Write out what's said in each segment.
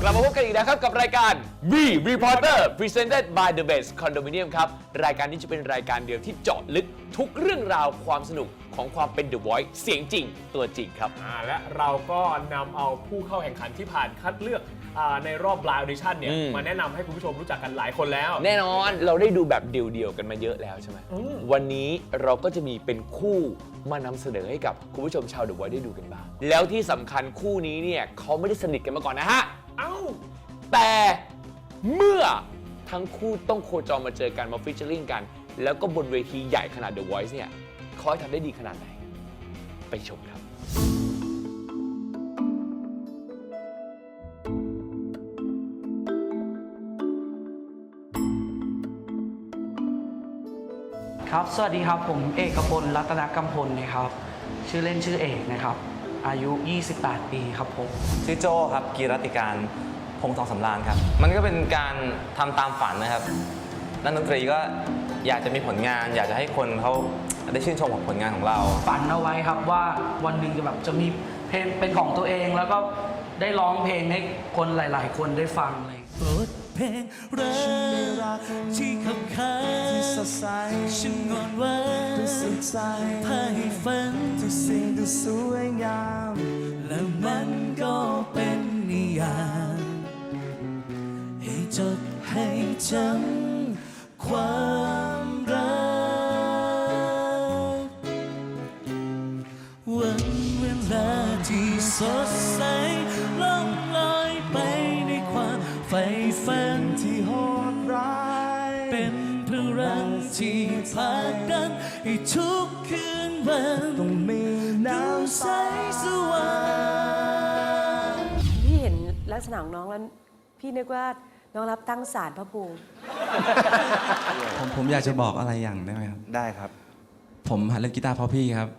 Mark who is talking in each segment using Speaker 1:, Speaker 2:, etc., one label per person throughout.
Speaker 1: ลับมาพบกันอีกแล้วครับกับรายการ V Reporter Presented by The Best Condominium ครับรายการนี้จะเป็นรายการเดียวที่เจาะลึกทุกเรื่องราวความสนุกของความเป็น The Voice เสียงจริงตัวจริงครับ
Speaker 2: และเราก็นำเอาผู้เข้าแข่งขันที่ผ่านคัดเลือกในรอบ Blind Audition เนี่ยมาแนะนำให้คุณผู้ชมรู้จักกันหลายคนแล้ว
Speaker 1: แน่นอนเราได้ดูแบบเดี่ยวๆกันมาเยอะแล้วใช่ไหมวันนี้เราก็จะมีเป็นคู่มานำเสนอให้กับคุณผู้ชมชาว The Voice ได้ดูกันบ้างแล้วที่สำคัญคู่นี้เนี่ยเขาไม่ได้สนิทกันมาก่อนนะฮะแต่เมื่อทั้งคู่ต้องโคจรมาเจอกันมาฟีเจอริ่งกันแล้วก็บนเวทีใหญ่ขนาด The Voice เนี่ยเขาทำได้ดีขนาดไหนไปชมครับ
Speaker 3: ครับสวัสดีครับผมเอกพลรัตนกำพลนะครับชื่อเล่นชื่อเอกนะครับอายุ28ปีครับผม
Speaker 4: ชื่อโจ้ครับกีรติการพงษ์ทองสำราญครับมันก็เป็นการทำตามฝันนะครับนักดนตรีก็อยากจะมีผลงานอยากจะให้คนเขาได้ชื่นชมกับผลงานของเรา
Speaker 3: ฝันเอาไว้ครับว่าวันหนึ่งจะมีเพลงเป็นของตัวเองแล้วก็ได้ร้องเพลงให้คนหลายๆคนได้ฟังเลย
Speaker 5: บทเพลงรักที่ขับขานที่สดใสฉันงอนว่าด้วยสุดใจพาให้ฝันทุกสิ่งดูสวยงามและมันก็เป็นนิยามให้จดให้จำความรักวันเวลาที่สดใสล่องลอยไปในความใฝ่ฝันที่โหดร้ายเป็นพลังที่ผลักดันให้ทุกคืนวันต้องมีน้ำใสสว่าง
Speaker 6: พี่เห็นลักษณะของน้องแล้วพี่นึกว่าน้องรับตั้งศาลพระภูมิ
Speaker 7: ผมอยากจะบอกอะไรอย่างได้ไหมครับ
Speaker 4: ได้ครับ
Speaker 7: ผมหัดเล่นกีตาร์เพราะพี่ครับ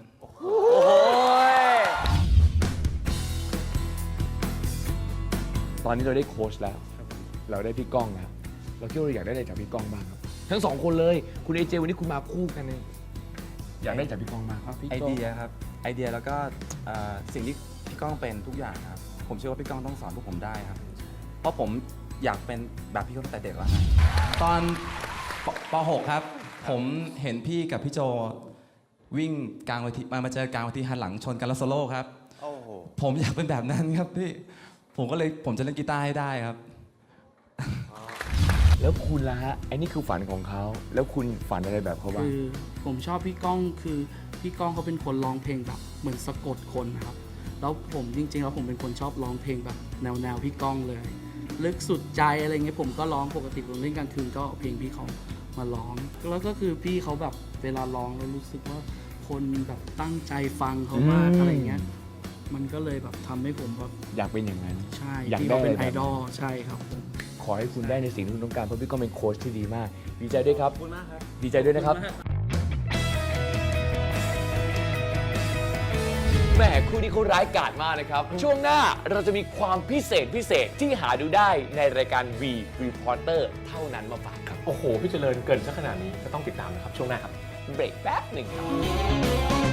Speaker 1: ตอนนี้เราได้โค้ชแล้วเราได้พี่ก้องแล้วเราคิดว่าเราอยากได้อะไรจากพี่ก้องบ้างครับทั้งสองคนเลยคุณเอเจวันนี้คุณมาคู่กันเลยอยากได้จากพี่ก้องบ้าง
Speaker 7: ไอเดียครับไอเดียแล้วก็สิ่งที่พี่ก้องเป็นทุกอย่างครับผมเชื่อว่าพี่ก้องต้องสอนพวกผมได้ครับเพราะผมอยากเป็นแบบพี่ก้องตั้งแต่เด็กแล้วครับตอนป .6 ครับผมเห็นพี่กับพี่โจวิ่งกลางเวทีมาเจอกลางเวทีหันหลังชนกันแล้วโซโล่ครับผมอยากเป็นแบบนั้นครับพี่ผมจะเล่นกีตาร์ให้ได้ครับ
Speaker 1: แล้วคุณล่ะฮะไอ้นี่คือฝันของเขาแล้วคุณฝันอะไรแบบเขาบ้าง
Speaker 3: คือผมชอบพี่ก้องคือพี่ก้องเขาเป็นคนร้องเพลงแบบเหมือนสะกดคนนะครับแล้วผมจริงๆแล้วผมเป็นคนชอบร้องเพลงแบบแนวพี่ก้องเลยลึกสุดใจอะไรเงี้ยผมก็ร้องปกติผมเล่นกลางคืนก็เพลงพี่เขามาร้องแล้วก็คือพี่เขาแบบเวลาร้องแล้วรู้สึกว่าคนแบบตั้งใจฟังเขามากอะไรเงี้ยมันก็เลยแบบทำให้ผมแบบ
Speaker 1: อยากเป็นอย่างนั้น
Speaker 3: ใช่
Speaker 1: อยาก
Speaker 3: ได้เป็นไอดอลใช่ครับ
Speaker 1: ขอให้คุณได้ในสิ่งที่คุณต้องการเพราะพี่ก็เป็นโค้ชที่ดีมากดีใจด้วยครับขอบคุณมากครับดีใจด้วยนะครับแหมคู่นี้เขาร้ายกาจมากนะครับช่วงหน้าเราจะมีความพิเศษที่หาดูได้ในรายการ V Reporter เท่านั้นมาฝากครับ
Speaker 2: โอ้โหพี่เจริญเกินซะขนาดนี้ก็ต้องติดตามนะครับช่วงหน้าครับ
Speaker 1: เบรกแป๊บหนึ่งครับ